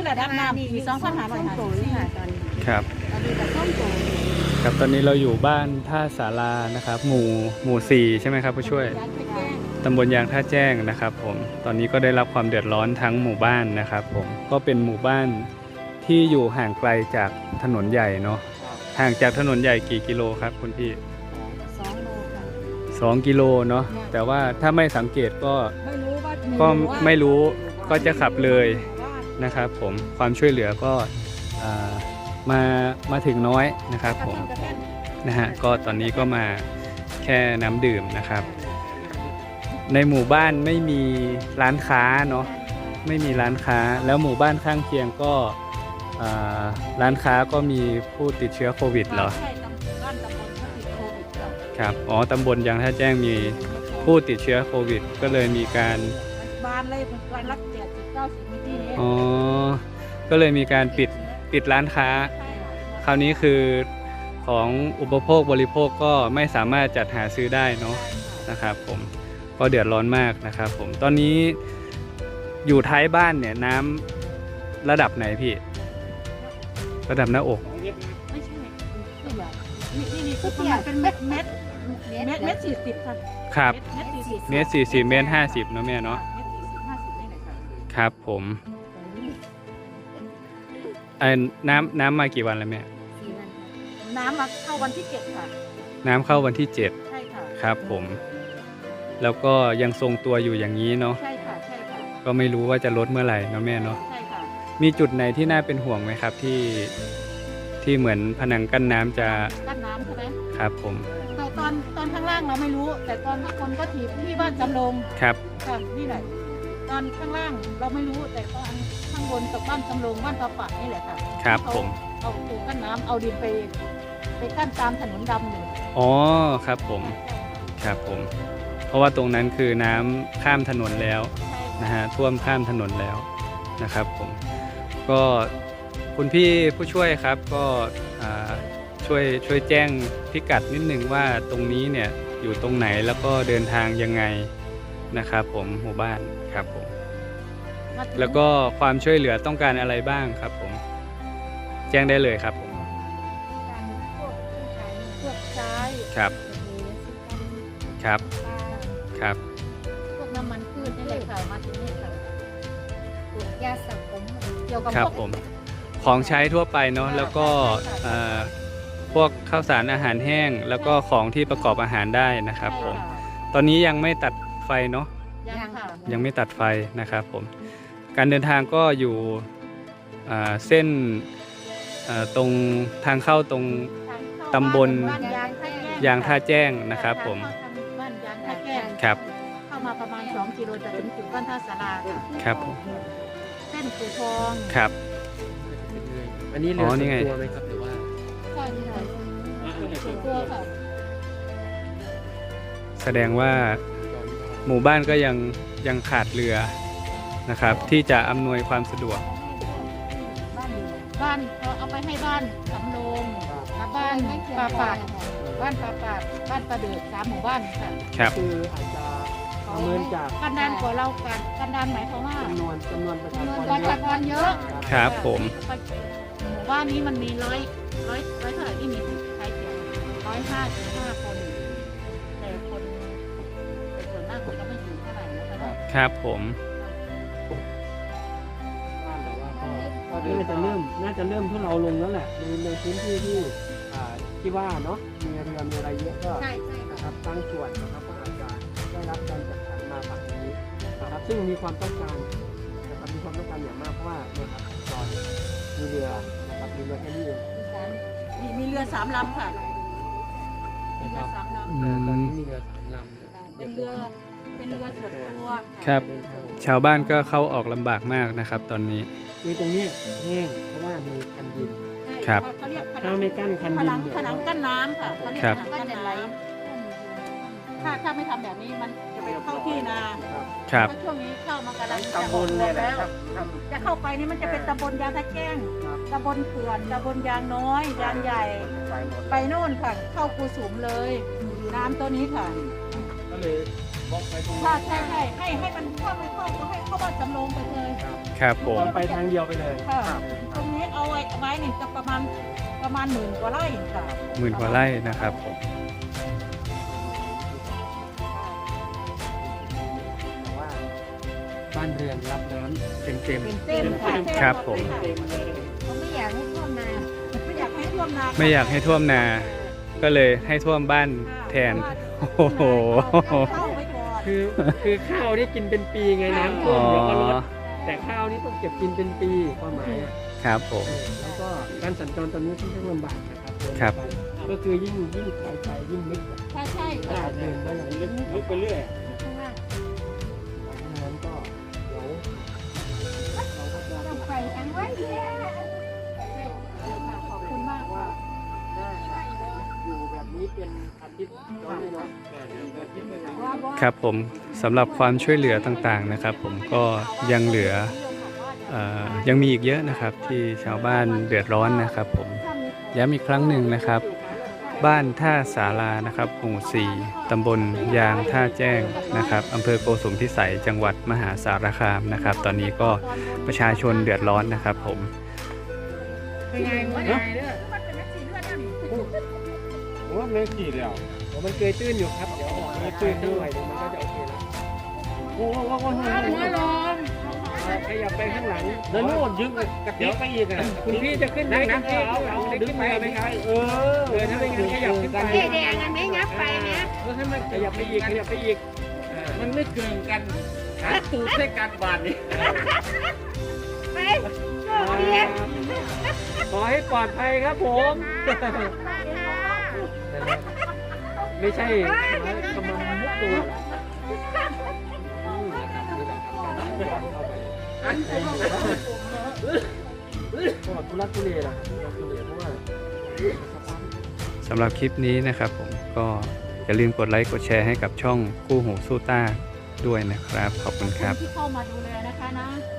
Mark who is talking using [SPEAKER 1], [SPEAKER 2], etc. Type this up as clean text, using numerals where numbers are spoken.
[SPEAKER 1] ระดับน้ำปี2554ค่ะตอนนี้
[SPEAKER 2] ครับ
[SPEAKER 1] ตอนนี้ก็ท่วมโต
[SPEAKER 2] ครับตอนนี้เราอยู่บ้านท่าสารานะครับหมู่4ใช่ไหมครับผู้ช่วยตำบลยางท่าแจ้งนะครับผมตอนนี้ก็ได้รับความเดือดร้อนทั้งหมู่บ้านนะครับผมก็เป็นหมู่บ้านที่อยู่ห่างไกลจากถนนใหญ่เนาะห่างจากถนนใหญ่กี่กิโลครับคุณพี่
[SPEAKER 1] 2 โลค่ะ
[SPEAKER 2] 2 กิโลเนาะแต่ว่าถ้าไม่สังเกตก็ไม่รู้ก็จะขับเลยนะครับผมความช่วยเหลือก็มาถึงน้อยนะครับผมนะฮะก็ตอนนี้ก็มาแค่น้ำดื่มนะครับในหมู่บ้านไม่มีร้านค้าเนาะไม่มีร้านค้าแล้วหมู่บ้านข้างเคียงก็ร้านค้าก็มีผู้ติดเชื้อโควิดเหรอครับอ๋อตำบลยางท่าแจ้งมีผู้ติดเชื้อโควิดก็เลยมีการ
[SPEAKER 1] บ้านเลยวันละ80-90นาทีนี้
[SPEAKER 2] อ๋อก็เลยมีการปิดร้านค้าคราวนี้คือของอุปโภคบริโภคก็ไม่สามารถจัดหาซื้อได้เนาะนะครับผมก็เดือดร้อนมากนะครับผมตอนนี้อยู่ท้ายบ้านเนี่ยน้ำระดับไหนพี่ระดับหน้าอก
[SPEAKER 1] ไม่ใช่นี่คือประมาณเป็นเม็ด40ค่ะ
[SPEAKER 2] ครับ
[SPEAKER 1] เม็ด
[SPEAKER 2] 40 เมตร 50เนาะแม่เนาะครับผมน้ำมากี่วันแล้วแม่
[SPEAKER 1] น้ำมาเข้าวันที่7ค่ะ
[SPEAKER 2] น้ำเข้าวันที่7
[SPEAKER 1] ใช่ค่ะ
[SPEAKER 2] ครับผมแล้วก็ยังทรงตัวอยู่อย่างนี้เนาะ
[SPEAKER 1] ใช่ค่ะ
[SPEAKER 2] ก็ไม่รู้ว่าจะลดเมื่อไหร่เนาะแม่เนาะ
[SPEAKER 1] ใช่ค่ะ
[SPEAKER 2] มีจุดไหนที่น่าเป็นห่วงไหมครับที่เหมือนผนังกั้นน้ำจะ
[SPEAKER 1] กั้นน้ำใช่ไหม
[SPEAKER 2] ครับผม
[SPEAKER 1] ตอนข้างล่างเราไม่รู้แต่ตอนข้างบนก็ที่บ้านจำลอง
[SPEAKER 2] ครับ
[SPEAKER 1] ค่ะนี่แหละตอนข้างล่างเราไม่รู้แต่ตอนข้างบนกับบ้านจำลองบ้านตาปัดนี่แหละค่ะ
[SPEAKER 2] ครับผม
[SPEAKER 1] เอาปูกั้นน้ำเอาดินไปกั้นตามถนนดำอยู่
[SPEAKER 2] อ๋อครับผมครับผมเพราะว่าตรงนั้นคือน้ำข้ามถนนแล้วนะฮะท่วมข้ามถนนแล้วนะครับผมก็คุณพี่ผู้ช่วยครับก็ช่วยแจ้งพิกัดนิดนึงว่าตรงนี้เนี่ยอยู่ตรงไหนแล้วก็เดินทางยังไงนะครับผมหมู่บ้านครับผมแล้วก็ความช่วยเหลือต้องการอะไรบ้างครับผมแจ้งได้เลยครับผม
[SPEAKER 1] พวกใช้
[SPEAKER 2] ครับครับครับ
[SPEAKER 1] พวกน้ำมันพืชนี่แหละค่ะมาถึงนี่ค่ะยาสระผมเกี่ยวกับ
[SPEAKER 2] ครับผมของใช้ทั่วไปเนาะแล้วก็พวกข้าวสารอาหารแห้งแล้วก็ของที่ประกอบอาหารได้นะครับผมตอนนี้ยังไม่ตัดไฟเนาะยังไม่ตัดไฟนะครับผมการเดินทางก็อยู่เส้นตรงทางเข้าตรงตำบลยางท่าแจ้งนะครับผม
[SPEAKER 1] บ้านยางท่าแจ้ง
[SPEAKER 2] ครับ
[SPEAKER 1] เข้ามาประมาณ2 กิโลจะถึงจุดบ้านท่าสารา
[SPEAKER 2] ครับผม
[SPEAKER 1] เส้นปูทอง
[SPEAKER 2] ครับ
[SPEAKER 3] อันนี้เรือส่วนตัวไหมครับหรือว่า
[SPEAKER 1] ใช่ค่ะส่วนตัวค่ะ
[SPEAKER 2] แสดงว่าหมู่บ้านก็ยังขาดเรือนะครับที่จะอำนวยความสะดวก
[SPEAKER 1] บ้านเอาไปให้บ้านสำโรงและบ้านปลาปาดบ้านปลาปาดบ้านปลาเดือด3 หมู่บ้านค่ะ
[SPEAKER 2] ครับ
[SPEAKER 3] คืออาจจะประเมินจาก
[SPEAKER 1] กันดานกว่าเรากันดานหมายความว่า
[SPEAKER 3] จำนวนประชากร
[SPEAKER 1] เยอะ
[SPEAKER 2] ครับผม
[SPEAKER 1] หมู่บ้านนี้มันมีร้อยเท่าไหร่ที่มีใช้เสียง155 คนแต่คนส่วนมากคนก็ไม่ถึงเท่าไหร่
[SPEAKER 2] นะครับผม
[SPEAKER 3] น่าจะเริ่มที่เราลงแล้วแหละในพื้นที่ที่ว่าเนาะมีเรือมีอะไรเยอะก็นะครับบางส่วนนะครับก็อาจจะได้รับการจัดสรรมาฝั่งนี้นะครับซึ่งมีความต้องการนะครับมีความต้องการอย่างมากเพราะว่าเนี่ยครับตอนมีเรือนะครับมีเรือแค่นี้เอง
[SPEAKER 1] มีเรือ3 ลำค่ะมีเรือ3 ลำ
[SPEAKER 3] ตอนนี้มีเรือ3 ลำ
[SPEAKER 1] เป็นเรือส่วนตัว
[SPEAKER 2] ครับชาวบ้านก็เข้าออกลำบากมากนะครับตอนนี้
[SPEAKER 3] คือตรงนี้แห้งเพราะว่ามีคันดิน
[SPEAKER 2] ครับ
[SPEAKER 3] ถ้าไม่กั้นคันดิน
[SPEAKER 1] ผนังกั้นน้ำค่ะเขาเรียกผนังกั้นน้ำถ้าไม่ทำแบบนี้มันจะไปเข้าที่นา
[SPEAKER 2] ครับ
[SPEAKER 1] ช่วงนี้เข้ามากำลังจะบนแล้วจะเข้าไปนี่มันจะเป็นตำบลยางท่าแจ้งตำบลเขื่อนตำบลยางน้อยยางใหญ่ไปโน่นค่ะเข้ากูสุมเลยน้ำตัวนี้ค่ะ
[SPEAKER 3] ก็เลยบล็อกไว้ตรงนี้
[SPEAKER 1] ใช่ให้มันเข้าก็ให้เข้าบ้านจำลองไปเลย
[SPEAKER 2] ครับผม
[SPEAKER 3] ไปทางเดียวไปเลย
[SPEAKER 1] ค่ะตรงนี้เอาไว้นี่จะประมาณหมื่นกว่าไร่ค่ะ
[SPEAKER 2] หมื่นกว่าไร่นะครับผม
[SPEAKER 3] แต่ว่าบ้านเรือนรับน้ำเต็ม
[SPEAKER 1] เป็นเส้นค่ะ
[SPEAKER 2] ครับผม
[SPEAKER 1] เขาไม่อยากให้ท่วมนาไม่อยากให้ท่วมนา
[SPEAKER 2] ไม่อยากให้ท่วมนา ก็เลยให้ท่วมบ้านแทน โอ้โห
[SPEAKER 1] เข้าไว้ก่อน
[SPEAKER 3] คือข้าวนี่กินเป็นปีไงน้ำท่ว
[SPEAKER 2] อ๋
[SPEAKER 3] ม
[SPEAKER 2] อ
[SPEAKER 3] เดี๋ยวก็ลดแต่ข้าวนี่ต้องเก็บกินเป็นปีความหมายอ่ะ
[SPEAKER 2] ครับผม
[SPEAKER 3] แล้วก็การสัญจรตอนนี้ค่อนข้างลำบากนะครับเดิน
[SPEAKER 2] ครับ
[SPEAKER 3] ไปก็คือยิ่งไกลไปยิ่งลึก
[SPEAKER 1] ใช่ใช่
[SPEAKER 3] เดินได้ลึกไปเรื่อยเพราะฉะนั้นก็เดี๋ยวเราก็จะ
[SPEAKER 1] ต้องไปทางไว้เยขอบคุณมาก
[SPEAKER 3] ว่าถ้าอยู่แบบนี้เป็นอาทิตย์ก็ไม่น้อยอาทิตย์ไม่น้อย
[SPEAKER 2] ครับผมสำหรับความช่วยเหลือต่างๆนะครับ ผมก็ยังเหลือยังมีอีกเยอะนะครับที่ชาวบ้านเดือดร้อนนะครับผมย้ำอีกครั้งหนึ่งนะครับ บ้านท่าสารานะครับหมู่ 4 ตำบลยางท่าแจ้งนะครับอำเภอโกสุมพิสัยจังหวัดมหาสารคามนะครับ ตอนนี้ก็ประชาชนเดือดร้อนนะครับผม
[SPEAKER 1] เป็นไงวะเนี่ยมันเป็นแม็กซี่เลือดนั่น
[SPEAKER 4] โอ้ไม่กี่แล้ว
[SPEAKER 3] มันเคยตื้นอยู่ครับเดี๋ยวออกมาตื้นด้วยเดี๋ยวมันก็จะโอเคแล้ว
[SPEAKER 4] โอ้โห
[SPEAKER 1] หัวลม
[SPEAKER 3] ขยับไปข้างหลัง
[SPEAKER 4] แล้วนู่นยึดกระติกไปอีกอ่ะ
[SPEAKER 3] คุณพี่จะขึ้นไหมคุณพี่เอาดึงไปไหมครับถ้าไม่งั้นขยับขึ้นไป
[SPEAKER 1] เจ๊แดงอันนี้งับไปนะ
[SPEAKER 3] ให้มันขยับไปอีกขยับไปอีก
[SPEAKER 4] มันไม่เกินกันหาตูดให้กันบาดนี่
[SPEAKER 1] ไปเรียน
[SPEAKER 3] ขอให้ปลอดภัยครับผมไม่ใช่กำลังมุกตัวทุลักทุเลล่ะทุเลเพราะว่า
[SPEAKER 2] สำหรับคลิปนี้นะครับผมก็อย่าลืมกดไลค์กดแชร์ให้กับช่องคู่หูสู้ต้าด้วยนะครับ ขอบคุณครับ
[SPEAKER 1] ที่เข้ามาดูแลนะคะนะ